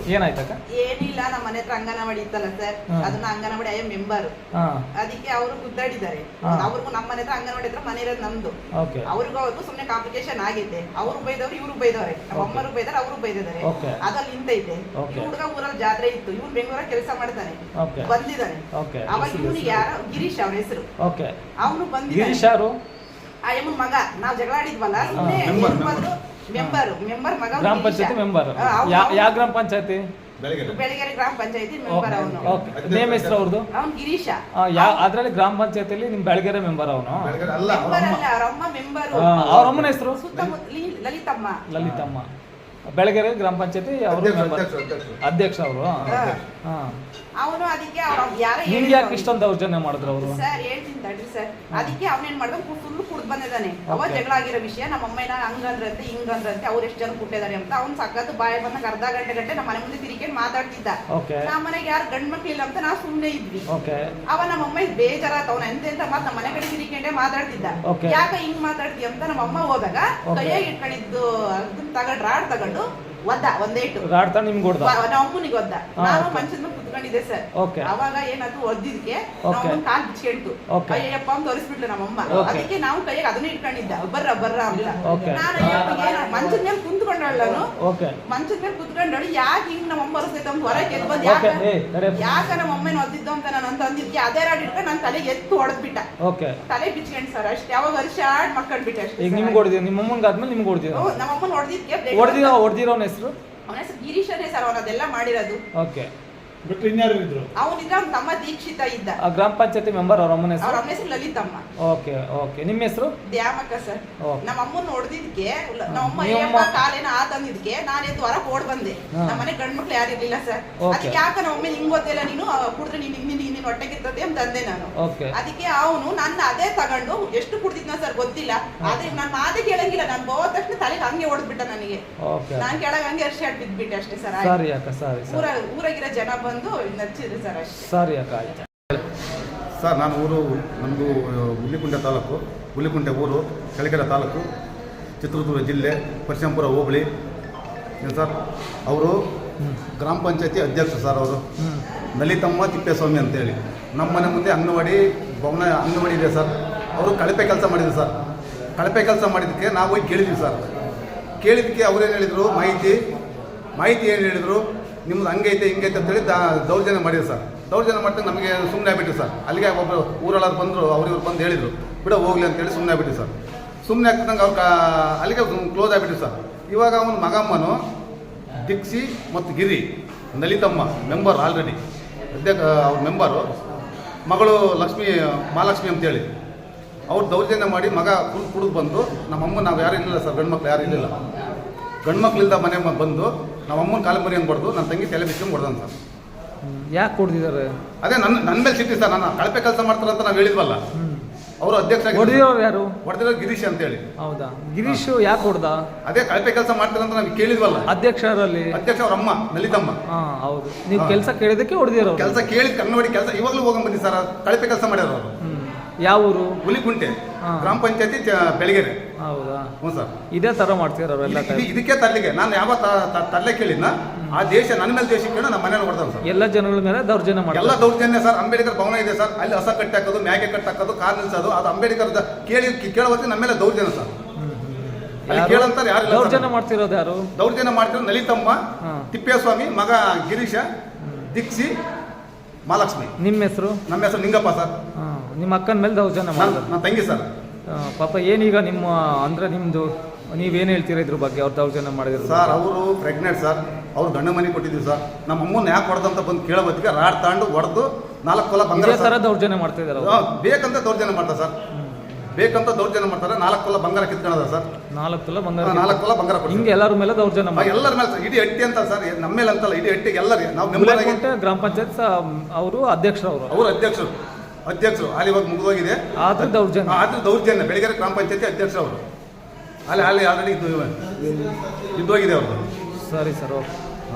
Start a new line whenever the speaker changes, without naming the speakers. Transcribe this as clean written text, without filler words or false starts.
ಏನಾಯ್ತಕ್ಕ?
ಏನಿಲ್ಲ, ನಮ್ಮ ಮನೆ ಹತ್ರ ಅಂಗನವಾಡಿ ಇತ್ತಲ್ಲ ಸರ್, ಅದನ್ನ ಅಂಗನವಾಡಿ ಐ ಮೆಂಬರ್, ಅದಕ್ಕೆ ಅವರು ಗುದ್ದಾಡಿದ್ದಾರೆ. ಅವ್ರಿಗೂ ನಮ್ಮ ಮನೆ ಹತ್ರ ಅಂಗನವಾಡಿ ಹತ್ರ ಮನೆ ಇರೋದು ನಮ್ದು. ಅವ್ರಿಗೂ ಸುಮ್ನೆ ಕಾಂಪ್ಲಿಕೇಶನ್ ಆಗಿದೆ. ಅವರು ಬೈದವ್ರು, ಇವ್ರು ಬೈದವ್ರೆ, ನಮ್ಮ ಅಮ್ಮರು ಬೈದಾರೆ, ಅವರು ಬೈದಿದ್ದಾರೆ. ಅದ್ರಲ್ಲಿ ನಿಂತೈತೆ. ಈ ಹುಡುಗ ಊರಲ್ಲಿ ಜಾತ್ರೆ ಇತ್ತು, ಇವ್ರು ಬೆಂಗಳೂರಾಗ ಕೆಲಸ ಮಾಡ್ತಾನೆ, ಬಂದಿದ್ದಾನೆ. ಅವಾಗ ಇವನು ಯಾರ ಗಿರೀಶ್ ಅವ್ರ ಹೆಸರು, ಅವನು ಬಂದಿದ್ದಾನೆ. ಆ ಎಮ್ಮ ಮಗ, ನಾವ್ ಜಗಳ ಆಡಿದ್ವಲ್ಲ, ಮೆಂಬರ್ ಮಗ,
ಗ್ರಾಮ ಪಂಚಾಯತಿ ಮೆಂಬರ್. ಯಾವ ಗ್ರಾಮ ಪಂಚಾಯತಿ?
ಬೆಳಗೆರೆ ಗ್ರಾಮ ಪಂಚಾಯತಿ ಮೆಂಬರ್. ಅವನು
ನೇಮ್ ಹೆಸರು ಅವ್ರದ್ದು?
ಅವ್ನು ಗಿರೀಶ.
ಅದ್ರಲ್ಲಿ ಗ್ರಾಮ ಪಂಚಾಯತಿಲಿ ನಿಮ್ ಬೆಳಗೆರೆ ಮೆಂಬರ್ ಅವನು?
ಅವರಮ್ಮ ಮೆಂಬರ್.
ಅವ್ರ ಅಮ್ಮನ ಹೆಸರು?
ಲಲಿತಮ್ಮ.
ಲಲಿತಮ್ಮ. ಬೆಳಗೆರೆ ಗ್ರಾಮ ಪಂಚಾಯತಿ ಅವರು ಅಧ್ಯಕ್ಷ ಅವರು.
ಅವನು ಅದಕ್ಕೆ ಯಾರು
ನಿಮ್ಗೆ ಯಾಕೆ ಇಷ್ಟೊಂದು ದೌರ್ಜನ್ಯ ಮಾಡಿದ್ರು ಅವರು?
ಸರ್ ಹೇಳ್ತೀನಿ ತಡ್ರಿ ಸರ್. ಅದಕ್ಕೆ ಅವನೇನ್ ಮಾಡ್ದ, ಫುಲ್ ಕುಡ್ದು ಬಂದಿದ್ದಾನೆ. ಅವ ಜಗಳ ಆಗಿರೋ ವಿಷಯ, ನಮ್ಮ ಅಮ್ಮನ ಹಂಗಂದ್ರಂತೆ ಹಿಂಗಂದ್ರಂತೆ, ಅವ್ರು ಎಷ್ಟು ಜನ ಕುಟ್ಟಿದ್ದಾರೆ ಅಂತ ಅವ್ನು ಸಕ್ಕತ್ತು ಬಾಯ ಬಂದಾಗ ಅರ್ಧ ಗಂಟೆ ನಮ್ಮ ಮನೆ ಮುಂದೆ ತಿರುಗಿ ಮಾತಾಡ್ತಿದ್ದ. ನಮ್ಮ ಮನೆಗೆ ಯಾರು ಗಂಡ್ ಮಕ್ಳಿಲ್ಲ ಅಂತ ನಾವು ಸುಮ್ಮನೆ ಇದ್ವಿ. ಅವ ನಮ್ಮ ಅಮ್ಮ ಬೇಜಾರಾತ, ಅವನ ಎಂತ ಮಾತು ನಮ್ಮ ಮನೆ ಕಡೆ ತಿರುಗಿಕೊಂಡೆ ಮಾತಾಡ್ತಿದ್ದ. ಯಾಕ ಹಿಂಗ್ ಮಾತಾಡ್ತಿ ಅಂತ ನಮ್ಮ ಅಮ್ಮ ಹೋದಾಗ ಕೈಯಾಗಿ ಇಟ್ಕೊಂಡಿದ್ದು ತಗೊಂಡು ರಾಡ್ ತಗೊಂಡು ಒದ್ದ ಒಂದೇಟು
ನಿಮ್ಗೆ
ನಮ್ಮ ಅಮ್ಮನಿಗೆ ಒದ್ದ. ನಾನು ಮಂಚದ ಮೇಲೆ ಕುತ್ಕೊಂಡಿದ್ದೆ ಸರ್. ಅವಾಗ ಏನಾದ್ರು ಒದ್ದಿದ್ಕೆ ಕಾಲ್ ಬಿಚ್ಕೊಂಡ್ತು. ಅಯ್ಯಪ್ಪ ಅಂತ ತೋರಿಸ್ಬಿಟ್ಲು ನಮ್ಮಮ್ಮ. ಅದಕ್ಕೆ ನಾವು ಕೈಯಾಗ ಅದನ್ನ ಇಟ್ಕೊಂಡಿದ್ದ, ಬರ್ರ ಅಂತ. ನಾನು ಮಂಚದ ಮೇಲೆ ಕುಂತ್ಕೊಂಡಳು, ಮಂಚದ ಮೇಲೆ ಕುತ್ಕೊಂಡಳು. ಯಾಕೆ ಹಿಂಗ್ ನಮ್ಮಮ್ಮ ಬರ್ತೈತೆ ಅಂತ ಹೊರಗೆ ಎದ್ದು ಬಂದ್, ಯಾಕ ನಮ್ಮ ಅಮ್ಮನ ಒದ್ದಿದ್ದು ಅಂತ ನಾನು ಅಂತ ಅಂದಿದ್ಕೆ ಅದೇ ರಾಡ್ ಇಟ್ಕೊಂಡು ನನ್ನ ತಲೆ ಎತ್ತು ಹೊಡೆದ್ಬಿಟ್ಟ. ತಲೆ ಬಿಚ್ಕೊಂಡ್ ಸರ್ ಅಷ್ಟೇ. ಅವಾಗ ವರ್ಷ ಆಡ್ ಮಕ್ಕಳ್ಬಿಟ್ಟೆ ಅಷ್ಟೇ.
ನಿಮ್ಮಮ್ಮಂಗ ಆದ್ಮೇಲೆ ನಿಮ್ಗೆ ಹೊಡೆದಿದ್ದು?
ನಮ್ಮಮ್ಮನ ಹೊಡೆದಿದ್ಕೆ
ಹೊಡೆದಿರೋನ ಹೆಸರು?
ಅವನ ಹೆಸರು ಗಿರೀಶನೇ ಸರ್. ಅವನದೆಲ್ಲ ಮಾಡಿರೋದು.
ಬಿಟ್ರೆ ಇನ್ಯಾರು ಇದ್ರು?
ಅವನಿದ್ರ ಅವ್ನ ತಮ್ಮ ದೀಕ್ಷಿತ ಇದ್ದ.
ಗ್ರಾಮ ಪಂಚಾಯತಿ ಮೆಂಬರ್. ಅವ್ರ ಅಮ್ಮನ ಹೆಸರು?
ಅವ್ರ ಅಮ್ಮನ ಹೆಸರು ಲಲಿತಮ್ಮ.
ನಿಮ್ಮ ಹೆಸರು?
ದ್ಯಾಮಕ್ಕ ಸರ್. ನಮ್ಮ ಅಮ್ಮನ ನೋಡ್ದಿದ್ಕೆ ನಮ್ಮಮ್ಮ ಕಾಲೇನ ಆತಂದಿದ್ಕೆ ನಾನು ಎದ್ದು ಹೊರಗೆ ಓಡ್ ಬಂದೆ. ನಮ್ಮ ಮನೆ ಗಂಡ್ ಮಕ್ಳು ಯಾರು ಇರ್ಲಿಲ್ಲ ಸರ್. ಅದಕ್ಕೆ ಯಾಕ ನಮ್ಮ ಅಮ್ಮ ಹಿಂಗ್ ಗೊತ್ತಿಲ್ಲ, ನೀನು ಕುಡಿದ್ರೆ ನಿನ್ನ ಹೊಟ್ಟೆಗಿರ್ತದೆ ಅಂತ ಅಂದೆ ನಾನು. ಅದಕ್ಕೆ ಅವನು ನನ್ನ ಅದೇ ತಗೊಂಡು ಎಷ್ಟು ಕುಡ್ದಿದ್ನ ಸರ್ ಗೊತ್ತಿಲ್ಲ. ಆದ್ರೆ ನಾನು ಮಾತೇ ಕೇಳಂಗಿಲ್ಲ. ನಾನು ಹೋದ ತಕ್ಷಣ ತಲೆಗೆ ಹಂಗೆ ಹೊಡೆದ್ಬಿಟ್ಟ ನನಗೆ. ನಾನ್ ಕೆಳಗೆ ಹಂಗೆ ಅರ್ಷಿ ಆಡ್ ಬಿದ್ಬಿಟ್ಟೆ ಅಷ್ಟೇ ಸರ್. ಊರಾಗಿರೋ ಜನ ಬಂದು ನಚ್ಚಿದ್ರು ಸರ್ ಅಷ್ಟೇ.
ಸರಿ ಅಕ್ಕ, ಆಯ್ತು
ಸರ್. ನಾನು ಊರು ನಮ್ಮದು ಹುಲಿಕುಂಟೆ ತಾಲೂಕು, ಹುಲಿಕುಂಟೆ ಊರು, ಚಳ್ಳಕೆರೆ ತಾಲೂಕು, ಚಿತ್ರದುರ್ಗ ಜಿಲ್ಲೆ, ಪರಶಂಪುರ ಹೋಬಳಿ. ಏನು ಸರ್, ಅವರು ಗ್ರಾಮ ಪಂಚಾಯತಿ ಅಧ್ಯಕ್ಷರು ಸರ್. ಅವರು ಲಲಿತಮ್ಮ ತಿಪ್ಪೇಸ್ವಾಮಿ ಅಂತೇಳಿ. ನಮ್ಮ ಮನೆ ಮುಂದೆ ಅಂಗನವಾಡಿ ಭವನ ಅಂಗನವಾಡಿ ಇದೆ ಸರ್. ಅವರು ಕಳಪೆ ಕೆಲಸ ಮಾಡಿದ್ರು ಸರ್. ಕಳಪೆ ಕೆಲಸ ಮಾಡಿದ್ದಕ್ಕೆ ನಾವು ಹೋಗಿ ಕೇಳಿದ್ವಿ ಸರ್. ಕೇಳಿದ್ದಕ್ಕೆ ಅವ್ರೇನು ಹೇಳಿದರು, ಮಾಹಿತಿ ಏನು ಹೇಳಿದರು, ನಿಮ್ದು ಹಂಗೈತೆ ಹಿಂಗೈತೆ ಅಂತೇಳಿ ದೌರ್ಜನ್ಯ ಮಾಡಿದ್ರು ಸರ್. ದೌರ್ಜನ್ಯ ಮಾಡ್ತಾ ನಮಗೆ ಸುಮ್ಮನೆ ಆಗ್ಬಿಟ್ಟು ಸರ್. ಅಲ್ಲಿಗೆ ಒಬ್ಬರು ಊರಲ್ಲಾದ್ರು ಬಂದರು, ಅವ್ರಿವ್ರು ಬಂದು ಹೇಳಿದರು ಬಿಡ ಹೋಗ್ಲಿ ಅಂತೇಳಿ ಸುಮ್ಮನೆ ಆಗ್ಬಿಟ್ಟು ಸರ್. ಸುಮ್ಮನೆ ಆಗ್ತಿದ್ದಂಗೆ ಅವ್ರು ಅಲ್ಲಿಗೆ ಕ್ಲೋಸ್ ಆಗಿಬಿಟ್ಟು ಸರ್. ಇವಾಗ ಅವನ ಮಗಮ್ಮನು ದಿಕ್ಸಿ ಮತ್ತು ಗಿರಿ, ಲಲಿತಮ್ಮ ಮೆಂಬರ್ ಆಲ್ರೆಡಿ ಅವ್ರ ಮೆಂಬರು, ಮಗಳು ಮಹಾಲಕ್ಷ್ಮಿ ಅಂತೇಳಿ ಅವ್ರು ದೌರ್ಜನ್ಯ ಮಾಡಿ ಮಗ ಕುಡಿದು ಬಂದು ನಮ್ಮಮ್ಮ, ನಾವು ಯಾರು ಇರಲಿಲ್ಲ ಸರ್, ಗಂಡು ಮಕ್ಳು ಯಾರು ಇರಲಿಲ್ಲ. ಗಂಡು ಮಕ್ಳಿಂದ ಮನೆ ಬಂದು ನಮ್ಮ ಅಮ್ಮನ ಕಾಲು ಮರಿ ಹೊಡೆದು ನನ್ನ ತಂಗಿ ತಲೆ ಬಿಚ್ಕೊಂಡು ಹೊಡೆದ ಸರ್.
ಯಾಕೆ ಕೊಡ್ತಿದ್ದಾರೆ?
ಅದೇ ನನ್ನ ಮೇಲೆ ಸಿಟ್ಟಿ ಸರ್. ನಾನು ಕಳಪೆ ಕೆಲಸ ಮಾಡ್ತಾರೆ ಅಂತ ನಾವು ಹೇಳಿದ್ವಲ್ಲ, ಅವರು ಅಧ್ಯಕ್ಷ. ಹೊಡೆದಿರೋ ಗಿರೀಶ್ ಅಂತೇಳಿ.
ಹೌದಾ? ಗಿರೀಶ್ ಯಾಕೆ ಹೊಡೆದ?
ಅದೇ ಕಳಪೆ ಕೆಲಸ ಮಾಡ್ತಾರೆ ಅಂತ ನಾವು ಕೇಳಿದ್ವಲ್ಲ.
ಅಧ್ಯಕ್ಷರಲ್ಲಿ
ಅವ್ರ ಅಮ್ಮ ಲಲಿತಮ್ಮ.
ಹೌದು. ನೀವು ಕೆಲಸ ಕೇಳಿದಕ್ಕೆ ಹೊಡೆದಿರೋ?
ಕೆಲಸ ಕೇಳಿದ್ ಕನ್ನಡಿ ಕೆಲಸ ಇವಾಗಲೂ ಹೋಗಂಗ್ ಬಂದಿ ಸರ್. ಕಳಪೆ ಕೆಲಸ ಮಾಡ್ಯಾರ ಅವರು.
ಯಾವ ಊರು?
ಹುಲಿಕುಂಟೆ ಗ್ರಾಮ ಪಂಚಾಯತಿ ಬೆಳಗೆರೆ.
ಹೌದಾ?
ಹ್ಞೂ ಸರ್.
ಇದೇ ತರ ಮಾಡ್ತೀರ ಅವರೆಲ್ಲ?
ಇದಕ್ಕೆ ತರ್ಲಿಕ್ಕೆ ನಾನು ಯಾವ ತರ್ಲೆ ಕೇಳಿದ್ನ, ಆ ದೇಶ ನನ್ನ ಮೇಲೆ ದೇಶ ಕೇಳಿ ನಮ್ಮ ಮನೇಲಿ ಹೊಡೆದ ಸರ್.
ಎಲ್ಲ ಜನಗಳ ಮೇಲೆ ದೌರ್ಜನ್ಯ ಮಾಡಿ.
ಎಲ್ಲ ದೌರ್ಜನ್ಯ ಸರ್. ಅಂಬೇಡ್ಕರ್ ಭವನ ಇದೆ ಸರ್, ಅಲ್ಲಿ ಹಸ ಕಟ್ಟಿ ಹಾಕೋದು, ಮ್ಯಾಗೆ ಕಟ್ಟಿ ಹಾಕೋದು, ಕಾರ್ ನಿಲ್ಸೋದು, ಅದು ಅಂಬೇಡ್ಕರ್ ಕೇಳುವತ್ತೆ ನಮ್ಮ ಮೇಲೆ ದೌರ್ಜನ್ಯ ಸರ್. ಅಲ್ಲಿ ಕೇಳಂತಾರೆ ಯಾರು
ದೌರ್ಜನ್ಯ ಮಾಡ್ತಿರೋದು? ಯಾರು
ದೌರ್ಜನ್ಯ ಮಾಡ್ತಿರೋದು? ಲಲಿತಮ್ಮ, ತಿಪ್ಪೇಸ್ವಾಮಿ, ಮಗ ಗಿರೀಶ, ದಿಕ್ಸಿ, ಮಹಾಲಕ್ಷ್ಮಿ.
ನಿಮ್ಮ ಹೆಸರು?
ನಮ್ಮ ಹೆಸರು ನಿಂಗಪ್ಪ ಸರ್.
ನಿಮ್ಮ ಅಕ್ಕನ ಮೇಲೆ ದೌರ್ಜನ್ಯ ಮಾಡಿದ್ರು?
ನನ್ನ ತಂಗಿ ಸರ್.
ಪಾಪ ಏನೀಗ ನಿಮ್ಮ ಅಂದ್ರೆ ನಿಮ್ದು ನೀವೇನು ಹೇಳ್ತೀರಾ ಇದ್ರ ಬಗ್ಗೆ? ಅವ್ರು ದೌರ್ಜನ್ಯ ಮಾಡಿದ್ರು
ಸರ್. ಅವರು ಪ್ರೆಗ್ನೆಂಟ್ ಸರ್. ಅವ್ರು ಗಂಡ ಮನೆ ಕೊಟ್ಟಿದ್ವಿ ಸರ್. ನಮ್ಮ ಅಮ್ಮನ ಯಾಕೆ ಹೊಡೆದಂತ ಬಂದು ಕೇಳೋ ಬದಿಗೆ ರಾಡ್ ತಾಂಡು ಹೊಡೆದು 4 ತೊಲ ಬಂಗಾರ
ತರ ದೌರ್ಜನ್ಯ ಮಾಡ್ತಾ ಇದ್ದಾರೆ.
ಬೇಕಂತ ದೌರ್ಜನ್ಯ ಮಾಡ್ತಾರೆ ಸರ್. ಬೇಕಂತ ದೌರ್ಜನ್ಯ ಮಾಡ್ತಾರೆ. 4 ತೊಲ ಬಂಗಾರ ಕಿತ್ಕೊಳ್ಳೋದ ಸರ್.
4 ತೊಲ ಬಂಗಾರ.
4 ತೊಲ ಬಂಗಾರ
ಹಿಂಗೆ ಎಲ್ಲರ ಮೇಲೆ ದೌರ್ಜನ್ಯ ಮಾಡಿ.
ಎಲ್ಲರ ಮೇಲೆ ಸರ್. ಇಡೀ ಹಟ್ಟಿ ಅಂತ ಸರ್, ನಮ್ಮ ಮೇಲೆ ಅಂತಲ್ಲ, ಇಡೀ ಹಟ್ಟಿಗೆ ಎಲ್ಲರಿಗೆ. ನಾವು ಮೆಂಬರ್ ಆಗಿ
ಗ್ರಾಮ ಪಂಚಾಯತ್ ಅವರು ಅಧ್ಯಕ್ಷರು. ಅವರು
ಅಧ್ಯಕ್ಷರು ಅಲ್ಲಿ ಇವಾಗ ಮುಗಿದೋಗಿದೆ.
ಆದ್ರೆ
ದೌರ್ಜನ್ಯ ಬೆಳಗೆರೆ ಗ್ರಾಮ ಪಂಚಾಯತಿ ಅಧ್ಯಕ್ಷರು ಅವರು. ಅಲ್ಲಿ ಆಲ್ರೆಡಿ ಇದ್ದೋಗಿದೆ ಅವ್ರದ್ದು.
ಸರಿ ಸರ್, ಓಕೆ.